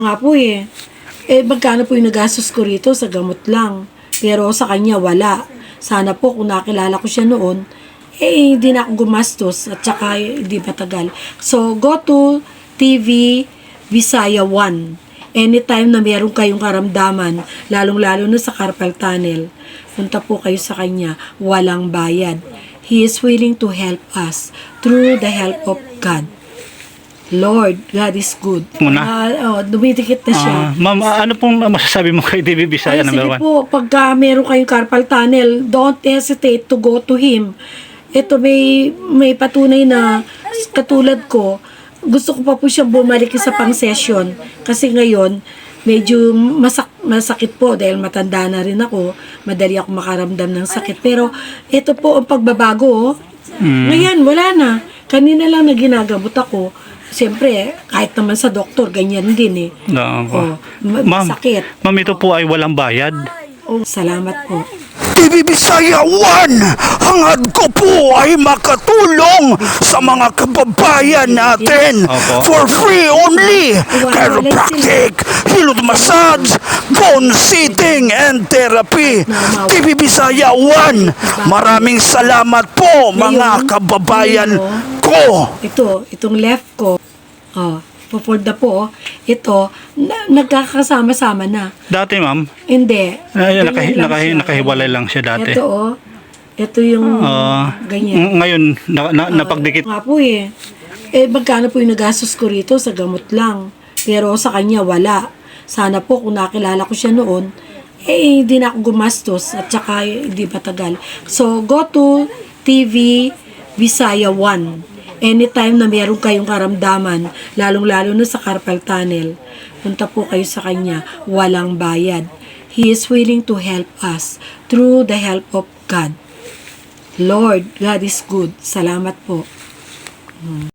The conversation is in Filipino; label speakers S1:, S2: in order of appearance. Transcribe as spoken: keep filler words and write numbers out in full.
S1: Nga po eh. Eh, magkano po yung nagastos ko rito sa gamot lang. Pero sa kanya, wala. Sana po kung nakilala ko siya noon, eh, hindi na ako gumastos at saka eh, hindi matagal. So, go to T V Visaya one. Anytime na meron kayong karamdaman, lalong-lalo na sa carpal tunnel, punta po kayo sa kanya, walang bayad. He is willing to help us through the help of God. Lord, God is good.
S2: Muna?
S1: Uh, oh, dumidikit na siya.
S2: Ah, ma'am, ah, ano pong masasabi mo kay D B Visaya
S1: Ay,
S2: number
S1: sige
S2: one?
S1: po, pagka meron kayong carpal tunnel, don't hesitate to go to him. Ito may, may patunay na katulad ko, gusto ko pa po siyang bumalik sa pang-session. Kasi ngayon, medyo masak masakit po dahil matanda na rin ako. Madali ako makaramdam ng sakit. Pero ito po ang pagbabago. Oh.
S2: Mm.
S1: Ngayon, wala na. Kanina lang na ginagamot ako. Siyempre, kahit naman sa doktor, ganyan din eh.
S2: No,
S1: Oh, ma-
S2: ma'am,
S1: masakit.
S2: ma'am, ito po ay walang bayad.
S1: Oh, salamat po.
S3: T V Visaya one, hangad ko po ay makatulong sa mga kababayan natin
S2: Opo.
S3: for free only. Chiropractic, hilot massage, bone sitting and therapy. T V Visaya one, maraming salamat po mga kababayan ko.
S1: Ito, itong left ko, oh, pufold na po, oh. Ito, na, nagkakasama-sama na.
S2: Dati, ma'am,
S1: Hindi.
S2: ay,
S1: ganyan
S2: nakahi,
S1: lang
S2: nakahi,
S1: siya.
S2: nakahiwalay lang siya dati.
S1: Ito, oh. Ito yung
S2: Ah,
S1: ganyan.
S2: ng- ngayon, na, na, napagdikit.
S1: Nga po eh. Eh, magkano po yung nagastos ko rito sa gamot lang. Pero sa kanya, wala. Sana po kung nakilala ko siya noon, eh, hindi na ako gumastos at saka eh, hindi matagal. So, go to T V Visaya one. Anytime na meron kayong karamdaman, lalong-lalo na sa carpal tunnel, punta po kayo sa kanya, walang bayad. He is willing to help us through the help of God. Lord, God is good. Salamat po.